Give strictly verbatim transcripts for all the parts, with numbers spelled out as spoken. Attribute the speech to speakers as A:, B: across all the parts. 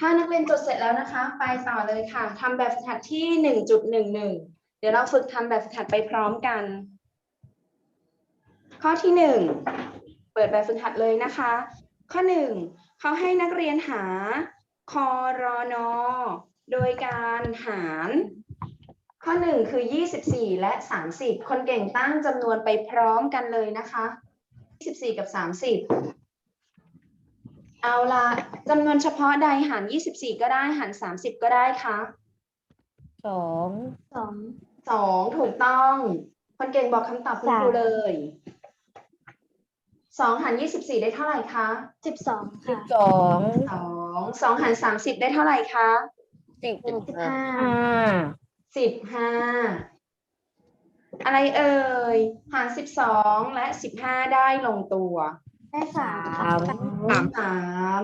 A: ถ้านักเรียนจดเสร็จแล้วนะคะไปต่อเลยค่ะทำแบบฝึกหัดที่ หนึ่งจุดหนึ่งหนึ่ง เดี๋ยวเราฝึกทำแบบฝึกหัดไปพร้อมกัน ข้อที่หนึ่งเปิดแบบฝึกหัดเลยนะคะ ข้อหนึ่งเขาให้นักเรียนหาคอรนโดยการหารข้อหนึ่งคือยี่สิบสี่และสามสิบคนเก่งตั้งจำนวนไปพร้อมกันเลยนะคะยี่สิบสี่กับสามสิบเอาละจำนวนเฉพาะใดหารยี่สิบสี่ก็ได้หารสามสิบก็ได้คะ
B: สอง
C: สอง
A: สองถูกต้องคนเก่งบอกคำตอบคุณครูเลยสองหารยี่สิบสี่ได้เท่าไหร่คะ
C: สิบสอง
B: สิบ
C: ค่ะ
B: สอง
A: สองสองหารสามสิบได้เท่าไหร่คะ
B: สิบ
C: สิบห้า
B: ห้า
A: สิบห้าอะไรเอ่ยหารสิบสองและสิบห้าได้ลงตัว
C: ได้สาม
B: สาม
A: สามสาม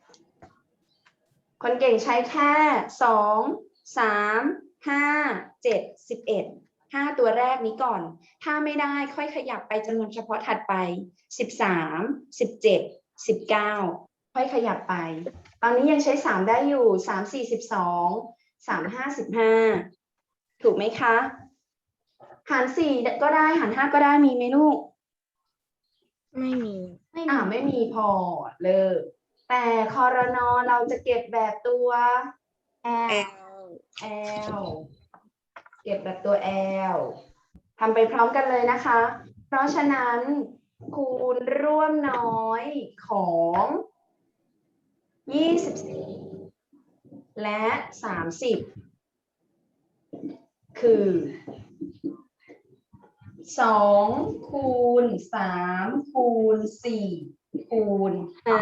A: คนเก่งใช้แค่สองสามห้าเจ็ดสิบเอ็ดห้าตัวแรกนี้ก่อนถ้าไม่ได้ค่อยขยับไปจำนวนเฉพาะถัดไปสิบสามสิบเจ็ดสิบเก้าค่อยขยับไปตอนนี้ยังใช้สามได้อยู่สามสี่สิบสองสามห้าสิบห้าถูกไหมคะหารสี่ก็ได้หารห้าก็ได้มีไหมลูก
B: ไม่มี
C: ไม่
A: อ่า
C: มี
A: ไม่มีพอเลิกแต่คอรนอเราจะเก็บแบบตัว
C: แอล
A: L เก็บแบบตัว L ทำไปพร้อมกันเลยนะคะ เพราะฉะนั้นคูณร่วมน้อยของยี่สิบสี่และสามสิบคือสองคูณสามคูณสี่คูณห้า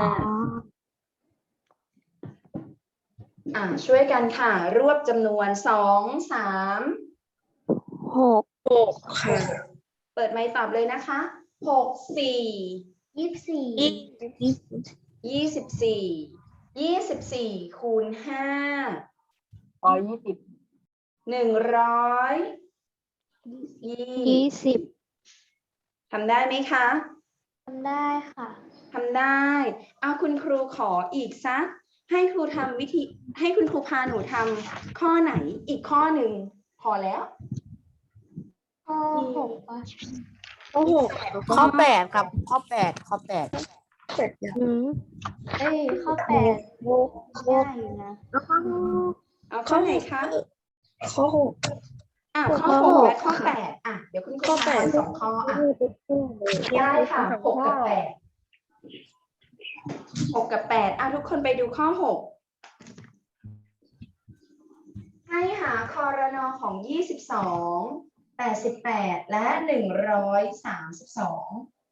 A: อ่าช่วยกันค่ะ รวบจำนวนสองสาม
C: หก
B: หกค่ะ
A: เปิดไมค์ตอบเลยนะคะหกสี่
C: ยี่สิบสี่
A: ยี่สิบสี่ยี่สิบสี่คูณห้า
B: ร้อยยี่สิบ
A: หนึ่งร้อยยี่
C: ยี่สิบ
A: ทำได้ไหมคะ
C: ทำได้ค่ะ
A: ทำได้เอาคุณครูขออีกสักให้ครูทำวิธีให้คุณครูพาหนูทำข้อไหนอีกข้อหนึ่งพอแล้ว
C: ข้อหกป่ะ
B: ข้อหกข้อแปดครับ ข้อแปดข้อแปด
C: อืมเอ้ยข้อแปดง่ายอยู่นะ
A: เอาข้อไหนคะ
B: ข้อหก
A: อ่ะข้อหกและข้อแปดอ่ะเดี๋ยวคุณครูพาสองข้ออ่ะได้ค่ะหกกับแปดหกกับแปดอ่ะทุกคนไปดูข้อหกให้หาคอรนอของยี่สิบสองแปดสิบแปดและหนึ่งร้อยสามสิบสอง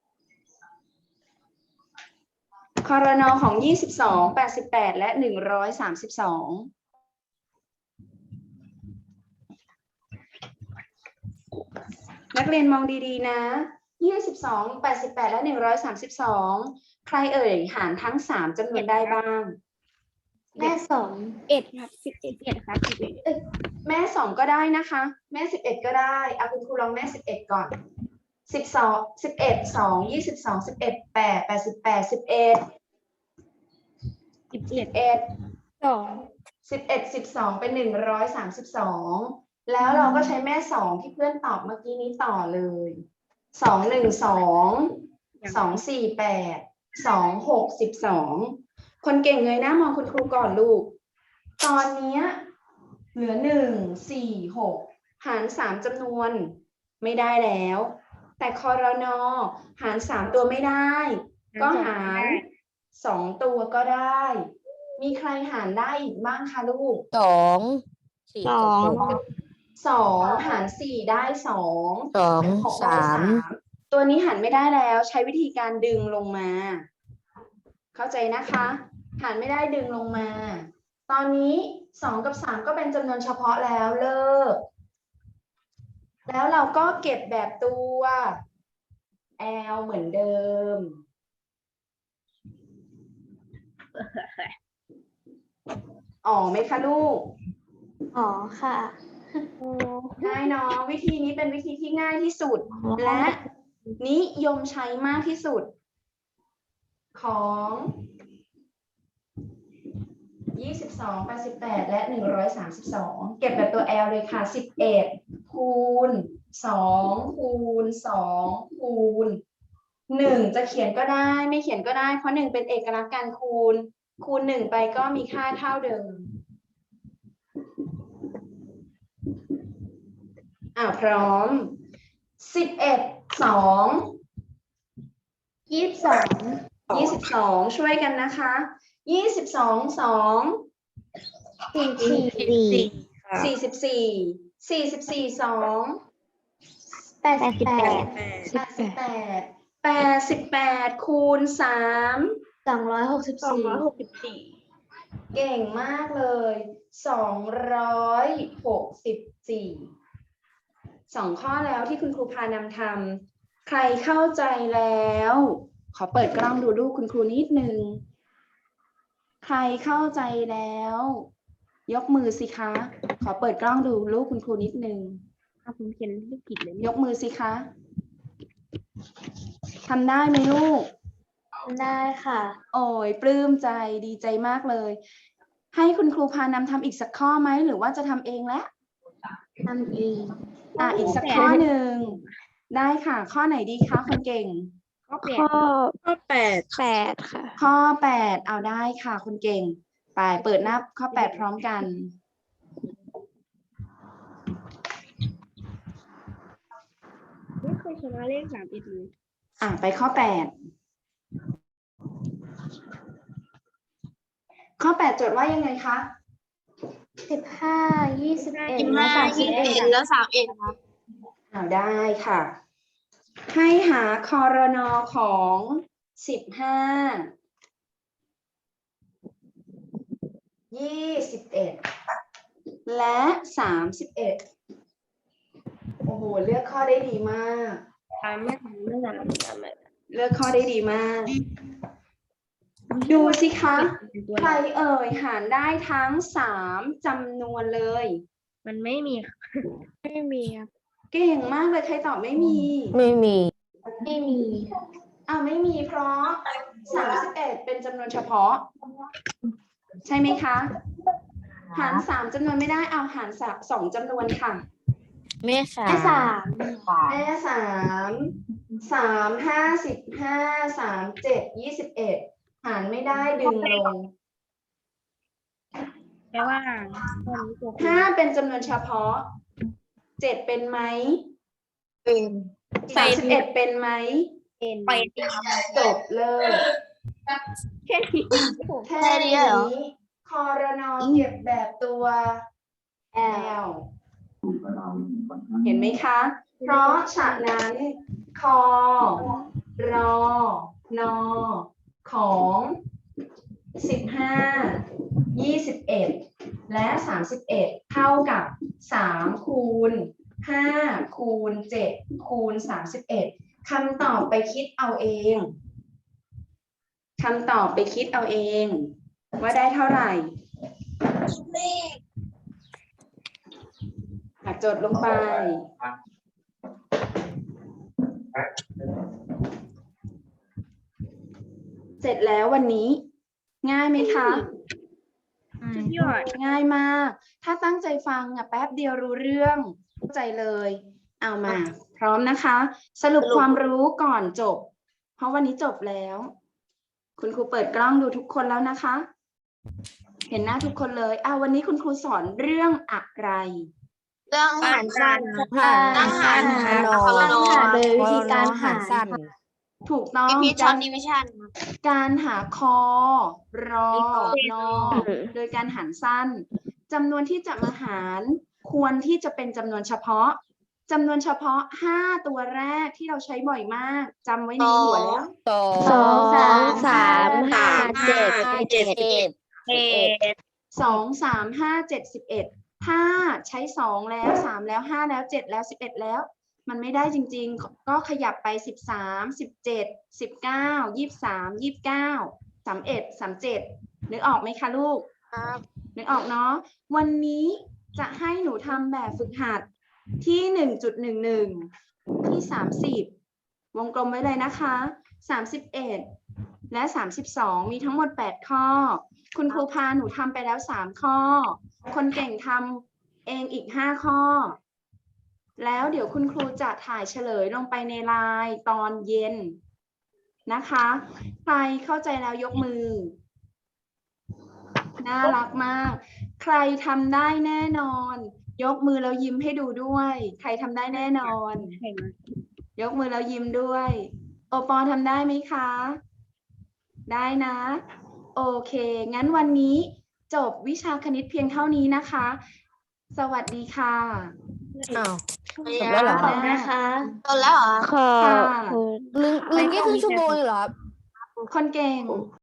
A: คอรนอของยี่สิบสองแปดสิบแปดและหนึ่งร้อยสามสิบสองนักเรียนมองดีๆนะยี่สิบสอง แปดสิบแปดและหนึ่งร้อยสามสิบสองใครเอ่ยหารทั้งสามจำนวนได้บ้าง
C: แม่สอง
B: เอ็ดครับสิบเอ็ดเอ็ดครับสิบเอ็ด
A: แม่สองก็ได้นะคะ แม่สิบเอ็ดก็ได้เอาคุณครูลองแม่สิบเอ็ดก่อนสิบสองสิบเอ็ดสองยี่สิบสองสิบเอ็ดแปดแปดสิบแปดสิบเอ็ด
B: สิบ
A: สิ
B: เอ็ด
A: บเอ็ด
B: สอง
A: สิบเอ็ดสิบสองเป็นหนึ่งร้อยสามสิบสองแล้วเราก็ใช้แม่สองที่เพื่อนตอบเมื่อกี้นี้ต่อเลยสองหนึ่งสองสองสี่แปดสองหกสิบสองคนเก่งเงยหน้ามองคุณครูก่อนลูกตอนนี้เหลือหนึ่งสี่หกหารสามจำนวนไม่ได้แล้วแต่คอรนอหารสามตัวไม่ได้ก็หารสองตัวก็ได้มีใครหารได้อีกบ้างคะลูก
B: สองสี่
C: สอง
A: สองหารสี่ได้สอง
B: สอง
A: หกได้
B: สาม
A: ตัวนี้หารไม่ได้แล้วใช้วิธีการดึงลงมา เข้าใจนะคะ หารไม่ได้ดึงลงมา ตอนนี้สองกับสามก็เป็นจำนวนเฉพาะแล้วเลิกแล้วเราก็เก็บแบบตัว L เหมือนเดิมอ๋อไหมคะลูก
C: อ๋อค่ะ
A: ง่ายเนาะวิธีนี้เป็นวิธีที่ง่ายที่สุด และนิยมใช้มากที่สุด ของยี่สิบสสอง แปดสิบแปด และ หนึ่งร้อยสามสิบสอง เก็บแบบตัว L เลยค่ะ สิบเอ็ด คูณ สอง คูณ สอง คูณ หนึ่ง จะเขียนก็ได้ไม่เขียนก็ได้เพราะหนึ่งเป็นเอกลักษณ์การคูณ คูณหนึ่งไปก็มีค่าเท่าเดิมอ่าพร้อม สิบเอ็ด สอง
C: ยี่สิบสอง
A: ยี่สิบสองช่วยกันนะคะยี่สิบสอง สอง
C: สี่สี่
A: สี่สิบสี่ สี่สิบสี่ สอง
C: แปดสิบแปด
A: แปดสิบแปด แปดสิบแปด คูณ สาม
C: สองร้อยหกสิบสี่
A: เก่งมากเลย สองร้อยหกสิบสี่ สองข้อแล้วที่คุณครูพานำทำใครเข้าใจแล้ว ขอเปิดกล้องดูลูกคุณครูนิดนึง ใครเข้าใจแล้ว ยกมือสิคะ ขอเปิดกล้องดูลูกคุณครูนิดนึง
B: ผมเขียนไม่ผิดเลย
A: ยกมือสิคะทำได้ไหมลูก
C: ได้ค่ะ
A: โอ้ยปลื้มใจดีใจมากเลย ให้คุณครูพานำทำอีกสักข้อไหมหรือว่าจะทำเองแล้ว
C: ทำเอง
A: อ่ะอีกสักข้อหนึ่งได้ค่ะ ข้อไหนดีคะคนเก่ง
B: ข้อแปด
C: ข้อ
B: ข้อแปด
C: แปดค่ะ
A: ข้อแปดเอาได้ค่ะคนเก่ง ไปเปิดหน้าข้อแปดพร้อมกัน
B: ไม่เคยชนะเลขสามเอ็ดเลย
A: อ่ะไปข้อแปดข้อแปดโจทย์ว่ายังไงคะ
C: สิบห้า ยี่สิบเอ็ดและสามสิบเอ็ด
B: แล้วสามเอ็ดครับ
A: เอาได้ค่ะ ให้หาคอรนอของสิบห้า ยี่สิบเอ็ด และสามสิบเอ็ด โอ้โห เลือกข้อได้ดีมาก
B: สามไม่สามไม่สามสามไม่
A: เลือกข้อได้ดีมาก ดูสิคะ
B: เป็นตัว
A: ใครเอ่ยหารได้ทั้งสามจำนวนเลย
B: มันไม่มีไม่มีครับ
A: เก่งมากเลยใครตอบไม่มี
B: ไม่มี
C: ไม่มี
A: อ่าไม่มีเพราะสามสิบเอ็ดเป็นจำนวนเฉพาะ ใช่ไหมคะ หารสามจำนวนไม่ได้เอาหารสามสองจำนวนค่ะ
B: แม่สา
C: แม่
B: ม
C: สาม
A: แม่สามสามห้าสิบห้าสามเจ็ดยี่สิบเอ็ดหารไม่ได้ดึงลง
B: แปลว่าตอนนี้ตัว
A: ห้าเป็นจำนวนเฉพาะเจ็ดเป็นไหม
B: เป็น
A: สามสิบเอ็ดเป็นไหม
B: เป็นเป็น
A: จบเลย
B: แค่นี้
A: แค่นี้คอรนอเก็บแบบตัว L เห็นไหมคะ เพราะฉะนั้นคอรอนอของสิบห้า ยี่สิบเอ็ด และสามสิบเอ็ดเท่ากับสามคูณห้าคูณเจ็ดคูณสามสิบเอ็ดคำตอบไปคิดเอาเองคำตอบไปคิดเอาเอง ว่าได้เท่าไหร่หักโจทย์ลงไป เสร็จแล้ววันนี้ ง่ายไหมคะ
B: สุดยอด
A: ง่ายมาก ถ้าตั้งใจฟังอ่ะแป๊บเดียวรู้เรื่องเข้าใจเลย เอามา พร้อมนะคะ สรุปความรู้ก่อนจบ เพราะวันนี้จบแล้ว คุณครูเปิดกล้องดูทุกคนแล้วนะคะ เห็นหน้าทุกคนเลยอ่าวันนี้คุณครูสอนเรื่องอะไร
B: เรื่องหารสั้น
C: ตั้งหาร
B: หาร
C: ตั้งหารโดยวิธีการหาร
B: สั้น
A: ถูกต้อง
B: มีช็อ
A: การ
B: ตดิวิชั่น
A: การหาคอ รอ นอ โดยการหารสั้นจำนวนที่จะมาหารควรที่จะเป็นจำนวนเฉพาะจำนวนเฉพาะห้าตัวแรกที่เราใช้บ่อยมากจำไว้ในหัวแล้ว
B: สอง
C: สองสามสาม
B: ห้า
C: เจ็ด
B: เจ็ดเอ็ดเอ็ด
A: สองสามห้าเจ็ดสิบเอ็ดถ้าใช้สองแล้วสามแล้วห้าแล้วเจ็ดแล้วสิบเอ็ดแล้ว มันไม่ได้จริงๆ ก็ขยับไปสิบสามสิบเจ็ดสิบเก้ายี่สิบสามยี่สิบเก้าสามเอ็ดสามเจ็ดนึกออกไหมคะลูก
B: ครับ
A: นึกออกเนาะวันนี้จะให้หนูทำแบบฝึกหัดที่หนึ่งจุดหนึ่งหนึ่งที่สามสิบวงกลมไว้เลยนะคะสามสิบเอ็ดและสามสิบสองมีทั้งหมดแปดข้อ คุณครูพาหนูทำไปแล้วสามข้อ คนเก่งทำเองอีกห้าข้อ แล้วเดี๋ยวคุณครูจะถ่ายเฉลยลงไปในไลน์ตอนเย็นนะคะ ใครเข้าใจแล้วยกมือ น่ารักมาก ใครทำได้แน่นอน ยกมือแล้วยิ้มให้ดูด้วย ใครทำได้แน่นอน ยกมือแล้วยิ้มด้วย โอปอทำได้ไหมคะ ได้นะ โอเค งั้นวันนี้จบวิชาคณิตเพียงเท่านี้นะคะ สวัสดีค่ะ
B: อ้าวจบแล้วเหรอ
C: ขอบคุณนะคะ
B: จบแล้วเหรอ
C: ขอบ
A: ค่ะ
C: คุณ
B: ลืมลืมแค่ครึ่งชั่วโมงเลยเหรอครับ
A: คนเก่ง